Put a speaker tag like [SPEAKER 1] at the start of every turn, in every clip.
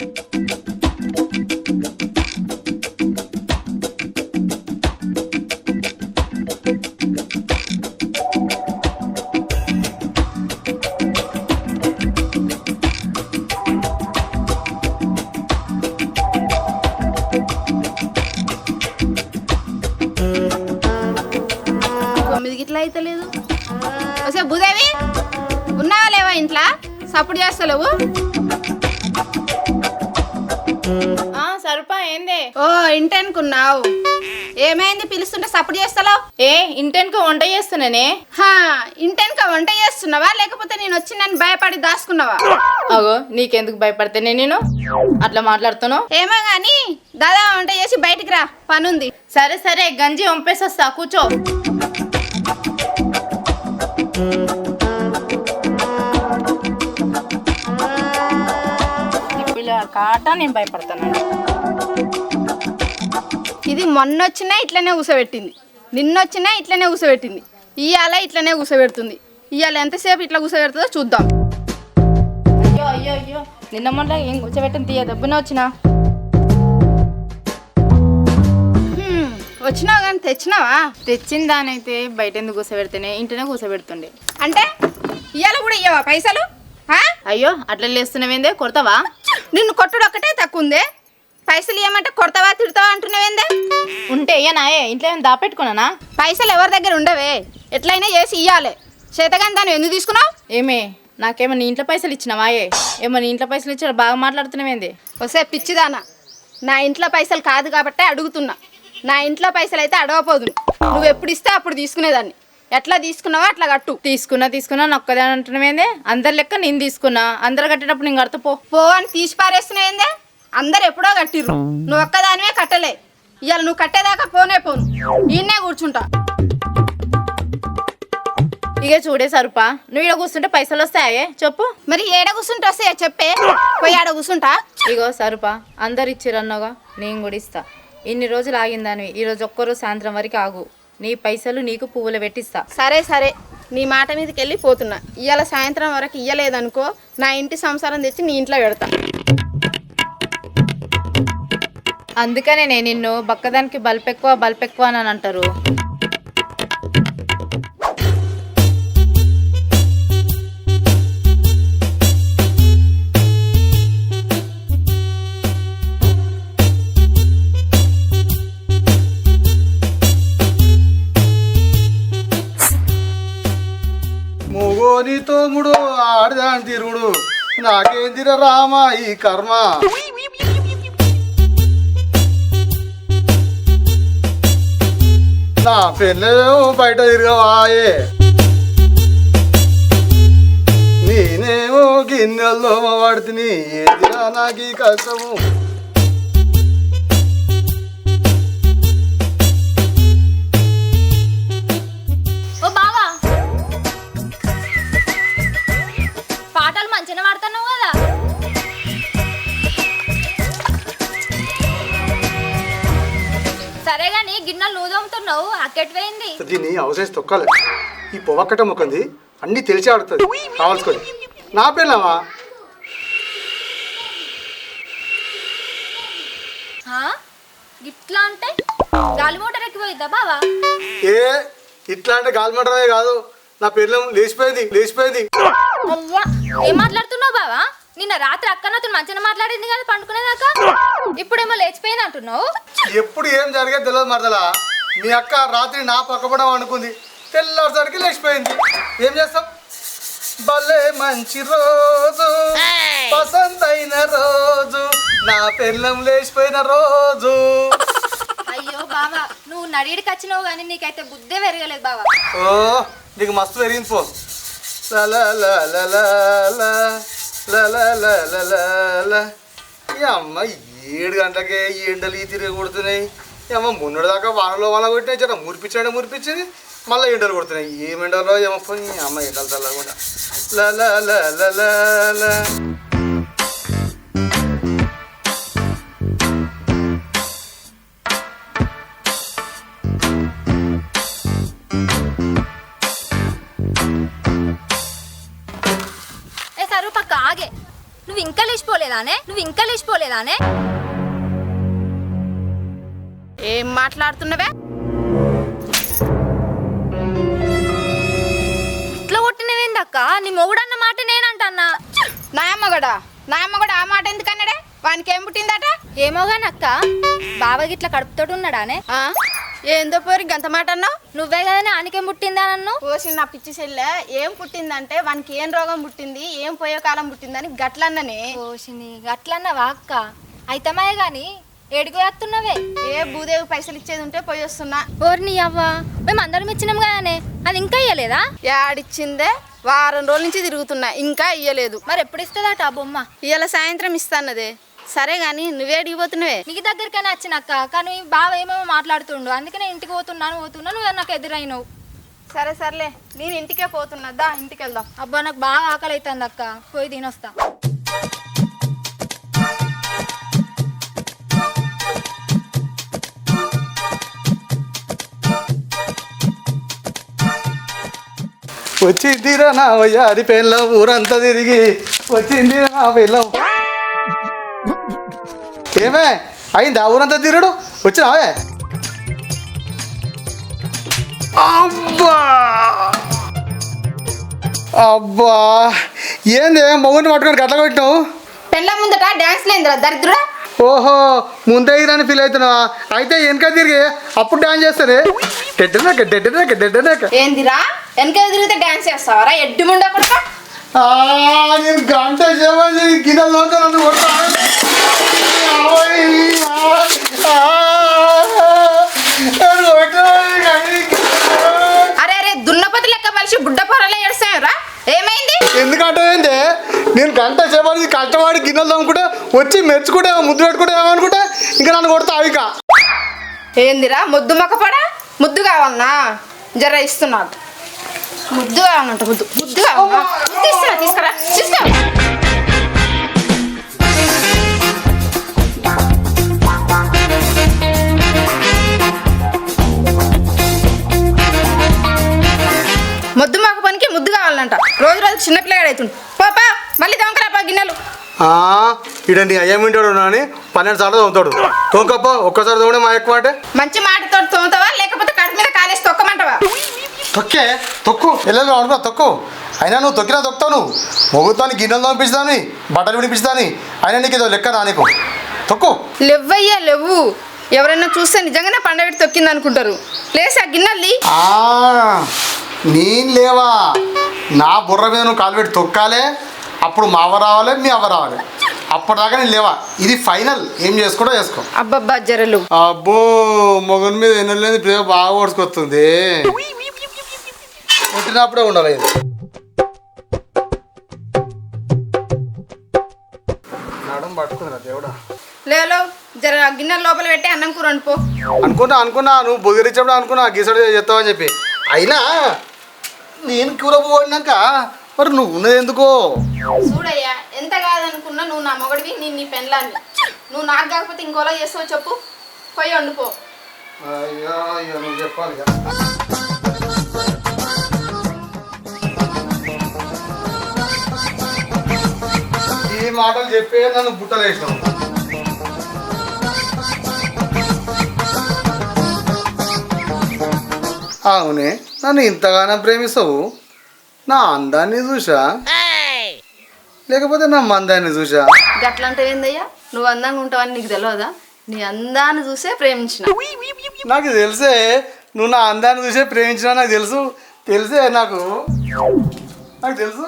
[SPEAKER 1] ఇట్లా అయితే లేదు. అసలు భూదేవి ఉన్నావా లేవా ఇంట్లో? సపోర్ట్ చేస్తలేవు.
[SPEAKER 2] సరుపా ఏందే?
[SPEAKER 1] ఓ ఇంటెన్కున్నావు. ఏమైంది పిలుస్తుంటే సపోర్ట్ చేస్తలేవు?
[SPEAKER 2] ఇంటెన్కు వంట చేస్తున్నానే.
[SPEAKER 1] ఇంటెన్క వంట చేస్తున్నావా లేకపోతే నేను వచ్చి నన్ను భయపడి దాచుకున్నావా?
[SPEAKER 2] అగో నీకెందుకు భయపడితేనే నేను అట్లా మాట్లాడుతున్నావు?
[SPEAKER 1] ఏమో గాని దాదా వంట చేసి బయటికి రా, పనుంది.
[SPEAKER 2] సరే సరే గంజి వంపేసొస్తా, కూర్చో. కాట నేను భయపడతాను.
[SPEAKER 1] ఇది మొన్నొచ్చినా ఇట్లనే కూసబెట్టింది, నిన్నొచ్చినా ఇట్లనే కూసబెట్టింది, ఇవాళ ఇట్లనే కూసబెడుతుంది. ఇవాళ ఎంతసేపు ఇట్లా కూసబెడుతుందో చూద్దాం.
[SPEAKER 2] అయ్యో అయ్యో అయ్యో, నిన్న మొన్న ఏం కూర్చోబెట్టింది తీయ దెబ్బనే వచ్చినా.
[SPEAKER 1] వచ్చినావు కానీ తెచ్చినావా?
[SPEAKER 2] తెచ్చిన దానైతే బయట ఎందుకు కూసబెడితేనే ఇంటనే కూసబెడుతుండే.
[SPEAKER 1] అంటే ఇవాళ కూడా ఇయ్యవా పైసలు?
[SPEAKER 2] అయ్యో అట్లా లేస్తున్నావేందే, కొడతావా?
[SPEAKER 1] నిన్ను కొట్టుడు ఒక్కటే తక్కువ ఉందే, పైసలు ఇవ్వమంటే కొడతావా తిడతావా అంటున్నావేందే?
[SPEAKER 2] ఉంటే ఇయ్యనాయే, ఇంట్లో ఏమైనా దాపెట్టుకున్నానా?
[SPEAKER 1] పైసలు ఎవరి దగ్గర ఉండవే, ఎట్లయినా చేసి ఇవ్వాలి. చేతగాని దాన్ని ఎందుకు తీసుకున్నావు?
[SPEAKER 2] ఏమే నాకేమో నీ ఇంట్లో పైసలు ఇచ్చినావాయే? ఏమో నీ ఇంట్లో పైసలు ఇచ్చాడు బాగా మాట్లాడుతున్నావేంది?
[SPEAKER 1] వస్తే పిచ్చిదానా, నా ఇంట్లో పైసలు కాదు కాబట్టే అడుగుతున్నా. నా ఇంట్లో పైసలు అయితే అడగపోదు. నువ్వు ఎప్పుడు ఇస్తే అప్పుడు తీసుకునేదాన్ని. ఎట్లా తీసుకున్నావో అట్లా కట్టు.
[SPEAKER 2] తీసుకున్నా నొక్కదే అంటున్నావేందే? అందరి లెక్క నేను తీసుకున్నా, అందరు కట్టేటప్పుడు నేను కడతా
[SPEAKER 1] పో అని తీసి పారేస్తున్నాయిందే. అందరు ఎప్పుడో కట్టిర్రు, నువ్వు ఒక్కదానివే కట్టలే. ఇవాళ నువ్వు కట్టేదాకా పోనే పోను, ఈయనే కూర్చుంటా.
[SPEAKER 2] ఇక చూడే సరుపా, నువ్వు ఇక్కడ కూర్చుంటే పైసలు వస్తాయే చెప్పు.
[SPEAKER 1] మరి ఏడ కూర్చుంటే వస్తాయా చెప్పే, పోయి ఆడ కూర్చుంటా.
[SPEAKER 2] ఇగో సరుపా, అందరు ఇచ్చిరన్నాగా నేను కూడా ఇస్తా. ఇన్ని రోజులు ఆగిందానివి, ఈరోజు ఒక్కరోజు సాయంత్రం వరకు ఆగు, నీ పైసలు నీకు పువ్వులు పెట్టిస్తా.
[SPEAKER 1] సరే సరే, నీ మాట మీదకి వెళ్ళి పోతున్నా. ఇవాళ సాయంత్రం వరకు ఇయ్యలేదనుకో, నా ఇంటి సంసారం తెచ్చి నీ ఇంట్లో పెడతా.
[SPEAKER 2] అందుకనే నేను నిన్ను బక్కదానికి బల్పెక్కువ అని అంటారు.
[SPEAKER 3] మొగోని తోముడు ఆడదాని తిరుగుడు, నాకేందిర రామ ఈ కర్మ. నా పెళ్ళేమో బయట తిరగవాయే, నేనేమో గిన్నెల్లో పడుతుని, ఏదిరా నాకు ఈ కష్టము.
[SPEAKER 4] పాటలు మంచిగా పాడుతున్నావు కదా. సరేగాని గిన్నెలు నువ్వు తోముతున్నావు, అక్కడికి పోయింది.
[SPEAKER 3] దీన్ని అవసేసి తొక్కాలి. ఈ పొవక్కట మొక్కంది అన్నీ తెలిసి ఆడుతుంది కావాల్సుకొని. నా పిల్లవా
[SPEAKER 4] ఇట్లా అంటే గాలి మోటార్ ఎక్కిపోయిద్దా బావా?
[SPEAKER 3] ఇట్లా అంటే గాలి మటమే కాదు, నా పిల్లం లేచిపోయింది.
[SPEAKER 4] అవ్వా, ఏం మాట్లాడుతున్నావు బావా? నిన్న రాత్రి అక్కనతో మంచిగా మాట్లాడింది కదా పండుకునేదాకా, ఇప్పుడేమో లేచిపోయింది అంటున్నావు.
[SPEAKER 3] ఎప్పుడు ఏం జరిగేది తెలియదు మరదలా. మీ అక్క రాత్రి నా పక్కపడం అనుకుంది, తెల్లవారుసరికి లేచిపోయింది. ఏం చేస్తాం? భలే మంచి రోజు, పసందైన రోజు, నా పిల్లం లేచిపోయిన రోజు.
[SPEAKER 4] అయ్యో బావా, నువ్వు నడిడికి వచ్చినావు కానీ నీకైతే బుద్ధే పెరగలేదు బావా.
[SPEAKER 3] ఓ నీకు మస్తు పెరిగింది పో. అమ్మ 7 గంటలకే ఈ ఎండలు ఈ తిరిగి కొడుతున్నాయి. అమ్మ మొన్నటి దాకా వానలో వాన కొట్టినాయి, జర మురిపించింది, మళ్ళీ ఎండలు కొడుతున్నాయి. ఏం ఎండలో ఏమో అమ్మ ఎండలు చల్లకుండా.
[SPEAKER 4] సరుపక్క ఆగే, నువ్వు ఇంకా లేచిపోలేదానే
[SPEAKER 1] ఏం మాట్లాడుతున్నవే?
[SPEAKER 4] ఇట్లా కొట్టినవేందక్క? నీ మొగుడన్న మాట నేనంటన్నా.
[SPEAKER 1] నా అమ్మగడ ఆ మాట ఎందుకన్నాడే? వానికి ఏం పుట్టిందట?
[SPEAKER 4] ఏమోగానక్క, బావకి ఇట్లా కడుపుతోటి ఉన్నాడానే.
[SPEAKER 1] ఆ? ఏందో పోరి గంత మాట అన్నావు?
[SPEAKER 4] నువ్వే కదనే ఆనికేం పుట్టిందా నన్ను?
[SPEAKER 1] పోసి నా పిచ్చి చెల్లె ఏం పుట్టిందంటే వానికి ఏం రోగం పుట్టింది, ఏం పోయే కాలం పుట్టిందని గట్లన్ననే.
[SPEAKER 4] పోషిని గట్లన్నవా అక్క? అయితమాయే గాని ఏడికి వేస్తున్నవే?
[SPEAKER 1] ఏ భూదేవి పైసలు ఇచ్చేది ఉంటే పోయి వస్తున్నా.
[SPEAKER 4] ఓర్ని అవ్వా, మేము అందరం ఇచ్చినాం కదానే, అది ఇంకా ఇయ్యలేదా?
[SPEAKER 1] యాడిచ్చిందే? వారం రోజుల నుంచి తిరుగుతున్నా, ఇంకా ఇయ్యలేదు.
[SPEAKER 4] మరి ఎప్పుడు ఇస్తుందట ఆ బొమ్మ?
[SPEAKER 1] ఇవాళ సాయంత్రం ఇస్తాన్నదే. సరే గాని నువ్వేడికి పోతున్నావే?
[SPEAKER 4] నీకు దగ్గరికైనా వచ్చినక్క, కానీ బావ ఏమేమో మాట్లాడుతుండు, అందుకే నేను ఇంటికి పోతున్నాను నువ్వు నాకు ఎదురైనవు.
[SPEAKER 1] సరే సర్లే, నేను ఇంటికే పోతున్నా, దా ఇంటికి వెళ్దాం.
[SPEAKER 4] అబ్బా నాకు బాగా ఆకలి అవుతుంది అక్క, పోయి తినొస్తా.
[SPEAKER 3] వచ్చిందిరా నా వయ్యారి పెళ్ళ ఊరంతా తిరిగి వచ్చిందిరా నా పెళ్ళం. ఏమే అయిందా ఊరంతా తిరగడు? వచ్చినావే? అబ్బా అబ్బా ఏంది మొగుడిని పట్టుకొని గట్ల కొట్టినావు?
[SPEAKER 1] పెళ్ళ ముందట డాన్స్ లేదురా దరిద్రుడా.
[SPEAKER 3] ఓహో ముందే అని ఫీల్ అవుతున్నావా? అయితే వెనక తిరిగి అప్పుడు డాన్స్ చేస్తానే. డెడ్డనాక
[SPEAKER 1] ఏందిరా వెనక తిరిగితే డాన్స్ చేస్తావరా? ఎడ్డు ముండా కొడక.
[SPEAKER 3] నేను గంట చేయమని గిన్నెలు నన్ను
[SPEAKER 1] అరే అరే దున్నపతి లెక్క పలిసి బుడ్డ పొరలే ఏడుస్తాయరా? ఏమైంది?
[SPEAKER 3] ఎందుకంటే నేను గంట చేయమని కష్టపడి గిన్నెలు తమ్ముకుంటే వచ్చి మెచ్చుకుంటే ముద్దు పెట్టుకుంటే ఏమనుకుంటే ఇంకా నన్ను కొడతా ఇక.
[SPEAKER 1] ఏందిరా ముద్దు మొక్కపడా? ముద్దు కావాలన్నా? జర ఇస్తున్నాడు. ముద్దు కావాలంట, ముద్దు కావాలన్నా? తీసుకురా తీసుకురా తీసుకో. ముద్దు మొక్క పనికి ముద్దు కావాలంట. రోజు రోజు చిన్నపిల్లగాడు అవుతుంది. పాపా మళ్ళీ దొంగరాపా గిన్నెలు.
[SPEAKER 3] ఇడ నీ అయ్యమింటాడు అని 12 సార్లు తోముతాడు. తోకప్ప ఒక్కసారి తోమడే మా ఎక్కువ అంటే.
[SPEAKER 1] మంచి మాటతో తోముతావా లేకపోతే కడుపు మీద కాలేసి తొక్కమంటావా?
[SPEAKER 3] తొక్కు వెళ్ళాలి అనుకో తొక్కు. అయినా నువ్వు తొక్కినా తొక్కుతావు. నువ్వు మొగుతాను గిన్నెలు తోమిపిస్తాను, బట్టలు విడిపిస్తాను. అయినా నీకు ఏదో లెక్క నా నీకు. తొక్కు.
[SPEAKER 1] లేవయ్యా లేవు. ఎవరైనా చూస్తే నిజంగానే పండగ తొక్కింది అనుకుంటారు. లేసి ఆ గిన్నెల్ని.
[SPEAKER 3] నేను లేవా? నా బుర్ర మీద నువ్వు కాలు పెట్టి తొక్కాలే. అప్పుడు మా అవ్వ రావాలి, మీ అవ్వ రావాలి. అప్పటిదాకా నేను లేవా. ఇది ఫైనల్. ఏం చేసుకోవడం చేసుకో.
[SPEAKER 1] అబ్బబ్బా జరలు.
[SPEAKER 3] అబ్బో మొగన్ మీద ఎన్నెలేదు ప్రేమ బాగా ఓడుచుకొస్తుంది. పుట్టినప్పుడే ఉండాలి ఇది. నడుము పట్టుకుందిరా దేవుడా.
[SPEAKER 1] లేలో జర గిన్నెల లోపల పెట్టి అన్నం కూర అనుకో.
[SPEAKER 3] అనుకున్నా నువ్వు బొగిరిచ్చినప్పుడు అనుకున్నా గీసడు చెప్తావని చెప్పి. అయినా నేను కూర పోడినాక మరి నువ్వు ఉన్నది ఎందుకో?
[SPEAKER 1] చూడయ్యా ఎంత కాదనుకున్నా నువ్వు నా మొగడివి, నేను నీ పెళ్ళాన్ని. నువ్వు నాకు కాకపోతే ఇంకోలా చేస్తావు చెప్పు. పోయి వండుకో.
[SPEAKER 3] అయ్యో అయ్యో నువ్వు చెప్పాలి. ఈ మాటలు చెప్పే నన్ను బుట్టలేసినావు. అవునే నన్ను ఇంతగానో ప్రేమిస్తావు. నా అందాన్ని చూసా లేకపోతే నా మందాన్ని చూసా?
[SPEAKER 1] గట్లంటే ఏందయ్యా? నువ్వు అందంగా ఉంటావని నీకు తెలియదా? నీ అందాన్ని చూసే ప్రేమించిన.
[SPEAKER 3] నాకు తెలిసే నువ్వు నా అందాన్ని చూసే ప్రేమించినా. నాకు తెలిసే నాకు తెలుసు.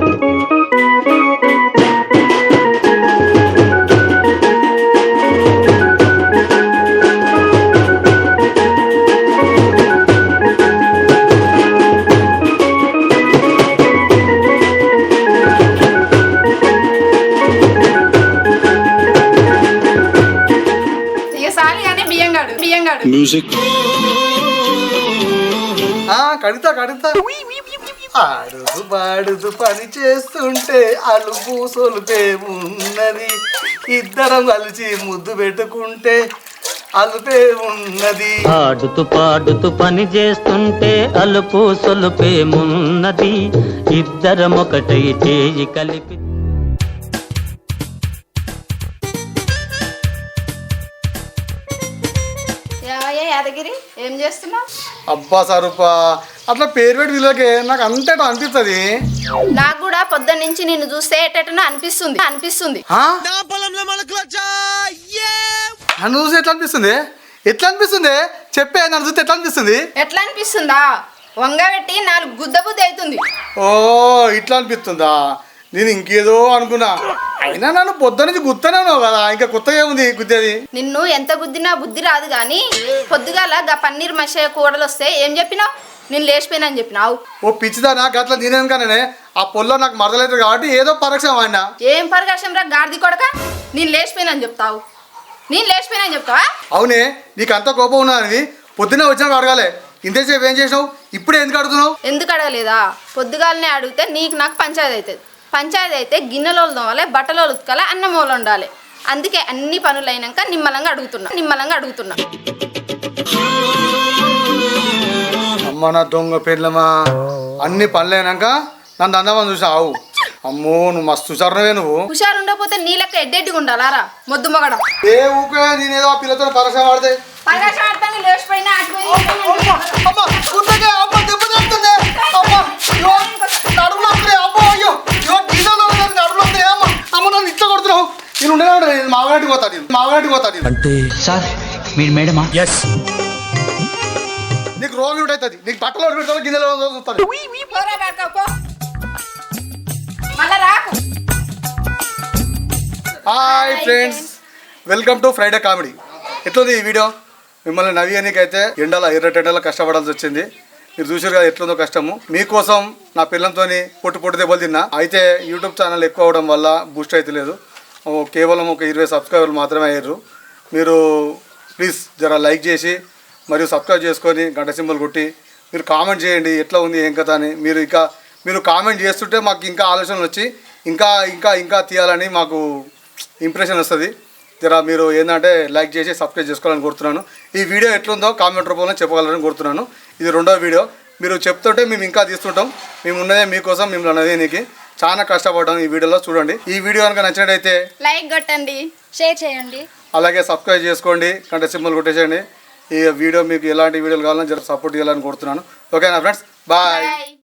[SPEAKER 5] Music.
[SPEAKER 3] కడుతా ఆడుతూ పాడుతూ పని చేస్తుంటే అలుపు సొలుపే ఉన్నది. ఇద్దరం కలిసి ముద్దు పెట్టుకుంటే అలుపే ఉన్నది.
[SPEAKER 6] ఆడుతూ పాడుతూ పని చేస్తుంటే అలుపు సొలుపేమున్నది. ఇద్దరం ఒకటై చేయి కలిపి
[SPEAKER 1] యాదగిరి ఏం చేస్తున్నావు?
[SPEAKER 3] అబ్బా స్వరూప అట్లా పేరు పెట్టి వీళ్ళకి నాకు అంతేటో అనిపిస్తుంది.
[SPEAKER 1] నాకు కూడా పొద్దున్న నుంచి నిన్ను చూస్తే ఎటనో అనిపిస్తుంది.
[SPEAKER 3] నన్ను చూసి ఎట్లా అనిపిస్తుంది? ఎట్లా అనిపిస్తుంది చెప్పే, నన్ను చూస్తే ఎట్లా అనిపిస్తుంది?
[SPEAKER 1] ఎట్లా అనిపిస్తుందా? వంగబెట్టి 4 గుద్ద బుద్ధి అవుతుంది.
[SPEAKER 3] ఓ ఇట్లా అనిపిస్తుందా? నేను ఇంకేదో అనుకున్నా. అయినా నన్ను పొద్దు నుంచి గుర్తున్నాను కదా, ఇంకా కొత్తగా ఏముంది గుద్దేది?
[SPEAKER 1] నిన్ను ఎంత గుద్దినా బుద్ధి రాదు కానీ పొద్దుగాల గా పన్నీర్ మసాలా కూడలు వస్తే ఏం చెప్పినావు? నేను లేచిపోయినా అని చెప్పినావు.
[SPEAKER 3] ఓ పిచ్చిదా, నాకు అట్లా నేనేం కానీ ఆ పొల్లో నాకు మరదలేదు కాబట్టి ఏదో పరీక్ష వాడినా.
[SPEAKER 1] ఏం పరకాశం రా గాడిది కొడక, నేను లేచిపోయినా అని చెప్తావు? నేను లేచిపోయినా అని చెప్తావా?
[SPEAKER 3] అవునే, నీకు అంత కోపం ఉన్నది. పొద్దున్నే వచ్చినాక అడగాలి, ఇంతసేపు ఏం చేసినావు, ఇప్పుడే ఎందుకు అడుగుతున్నావు?
[SPEAKER 1] ఎందుకు అడగలేదా? పొద్దుగాలనే అడిగితే నీకు నాకు పంచాయతీ అవుతుంది. పంచాయతీ అయితే గిన్నెలు తోమాలి, బట్టలు ఉతకాలి, అన్నం వండాలి. అందుకే అన్ని పనులు అయినాక నిమ్మలంగా అడుగుతున్నా.
[SPEAKER 3] అమ్మ నా దొంగ పెళ్ళమా, అన్ని పనులు అయినాక నన్ను అందమని చూసావు. అమ్మో నువ్వు మస్తు చూసారువే నువ్వు.
[SPEAKER 1] హుషారు ఉండకపోతే నీ లెక్క ఎడ్డెడ్డిగా ఉండాలారా మొద్దు మొగడం.
[SPEAKER 3] ఏ ఊకే నేనేదో ఆ పిల్లతో పరీక్ష వాడితే
[SPEAKER 1] లేచిపోయినా
[SPEAKER 3] మాగనాటికి పోతాడు.
[SPEAKER 6] అంటే సార్ మీరు మేడమా?
[SPEAKER 3] నీకు రోగి ఉంటుంది, నీకు బట్టలు పెడతాను, గిన్నెలో చూస్తాను.
[SPEAKER 1] మళ్ళా రాకు.
[SPEAKER 3] Hi friends, welcome to Friday comedy. ఎట్లుంది ఈ వీడియో? మిమ్మల్ని నవ్వియానికైతే ఎర్రటెండలో కష్టపడాల్సి వచ్చింది. మీరు చూసారు కదా ఎట్లుందో కష్టము. మీకోసం నా పిల్లలతో పొట్టు దెబ్బలు తిన్నా. అయితే యూట్యూబ్ ఛానల్ ఎక్కువ అవడం వల్ల బూస్ట్ అయితే లేదు, కేవలం ఒక 20 సబ్స్క్రైబర్లు మాత్రమే అయ్యారు. మీరు ప్లీజ్ జర లైక్ చేసి మరియు సబ్స్క్రైబ్ చేసుకొని గంట సింబల్ కొట్టి మీరు కామెంట్ చేయండి ఎట్లా ఉంది ఏం కథ అని. మీరు కామెంట్ చేస్తుంటే మాకు ఇంకా ఆలోచనలు వచ్చి ఇంకా ఇంకా ఇంకా తీయాలని మాకు ఇంప్రెషన్ వస్తుంది. జర మీరు ఏంటంటే లైక్ చేసి సబ్స్క్రైబ్ చేసుకోవాలని కోరుతున్నాను. ఈ వీడియో ఎట్లుందో కామెంట్ రూపంలో చెప్పగలరని కోరుతున్నాను. ఇది 2వ వీడియో. మీరు చెప్తుంటే మేము ఇంకా తీస్తుంటాం. మేము ఉన్నదే మీకోసం, మిమ్మల్ని అనేది నీకు చాలా కష్టపడ్డాం. ఈ వీడియోలో చూడండి. ఈ వీడియో కనుక నచ్చినట్టయితే
[SPEAKER 1] లైక్ కొట్టండి,
[SPEAKER 4] షేర్ చేయండి,
[SPEAKER 3] అలాగే సబ్స్క్రైబ్ చేసుకోండి, గంట సింబల్ కొట్టేసేయండి. ఈ వీడియో మీకు ఎలాంటి వీడియోలు కావాలని జర సపోర్ట్ చేయాలని కోరుతున్నాను. ఓకేనా ఫ్రెండ్స్, బాయ్.